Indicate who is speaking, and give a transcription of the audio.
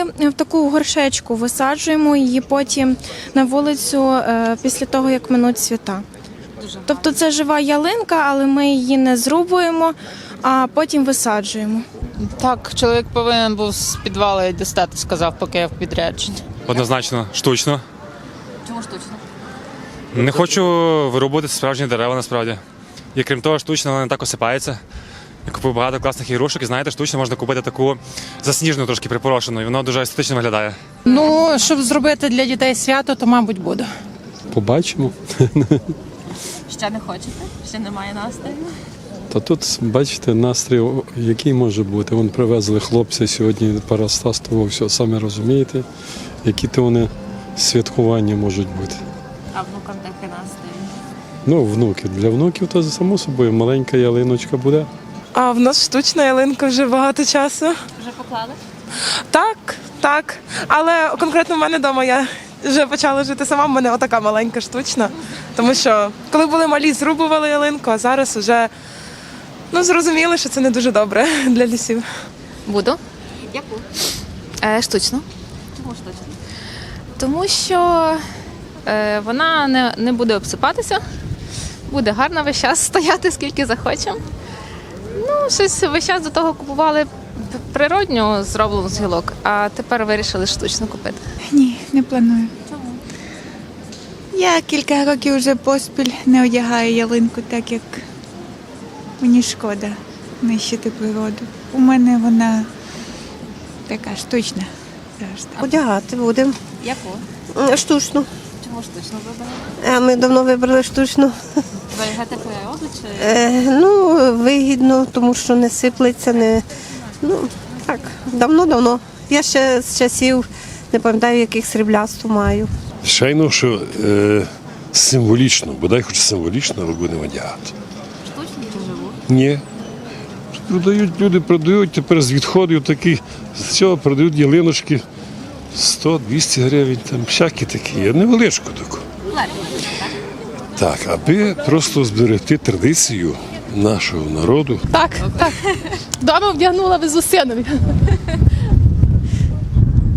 Speaker 1: ми в таку горшечку висаджуємо її потім на вулицю після того, як минуть свята. Тобто це жива ялинка, але ми її не зрубуємо, а потім висаджуємо.
Speaker 2: Так, чоловік повинен був з підвалу дістати, сказав, поки я в підрядженні.
Speaker 3: Однозначно, штучно.
Speaker 4: Чому штучно?
Speaker 3: Не хочу вирубувати справжні дерева, насправді. І крім того, штучно вона не так осипається. Я купив багато класних ігрушок, і знаєте, штучно можна купити таку засніжену, трошки припорошену, і воно дуже естетично виглядає.
Speaker 5: Ну, щоб зробити для дітей свято, то, мабуть, буду.
Speaker 6: Побачимо.
Speaker 4: Ще не хочете? Ще немає настрою?
Speaker 6: Та тут, бачите, настрій, який може бути. Вон привезли хлопця сьогодні парастастового, все, самі розумієте, які то вони святкування можуть бути.
Speaker 4: А внукам такий настрій?
Speaker 6: Ну, внуки. Для внуків то, само собою, маленька ялиночка буде.
Speaker 7: А в нас штучна ялинка вже багато часу.
Speaker 4: Вже поклали?
Speaker 7: Так. Але конкретно в мене вдома я вже почала жити сама, в мене отака маленька штучна. Тому що коли були малі, зрубували ялинку, а зараз вже зрозуміли, що це не дуже добре для лісів.
Speaker 8: Буду.
Speaker 4: Яку?
Speaker 8: Штучно.
Speaker 4: Чому штучно?
Speaker 8: Тому що вона не буде обсипатися, буде гарно весь час стояти, скільки захочемо. Ну, щось весь час до того купували природню, зроблену з гілок, а тепер вирішили штучно купити.
Speaker 9: Ні, не планую.
Speaker 4: Чому?
Speaker 9: Я кілька років вже поспіль не одягаю ялинку, так як мені шкода нищити природу. У мене вона така штучна завжди.
Speaker 10: Одягати будемо.
Speaker 4: Яку?
Speaker 10: Штучно.
Speaker 4: Чому штучно вибрали?
Speaker 10: А ми давно вибрали штучно.
Speaker 4: Зберігати природу чи...
Speaker 10: Вигідно, тому що не сиплеться, так, давно. Я ще з часів, не пам'ятаю, яких сріблясту маю.
Speaker 11: Звичайно, що символічно, бодай хоч символічно, але будемо одягати.
Speaker 4: Штучні чи живу?
Speaker 11: Ні. Люди продають тепер з відходів такі, з цього продають ялиночки 100-200 гривень, там всякі такі, невеличку таку. Так, аби просто зберегти традицію нашого народу.
Speaker 5: Так. Дома вдягнула, везу синові.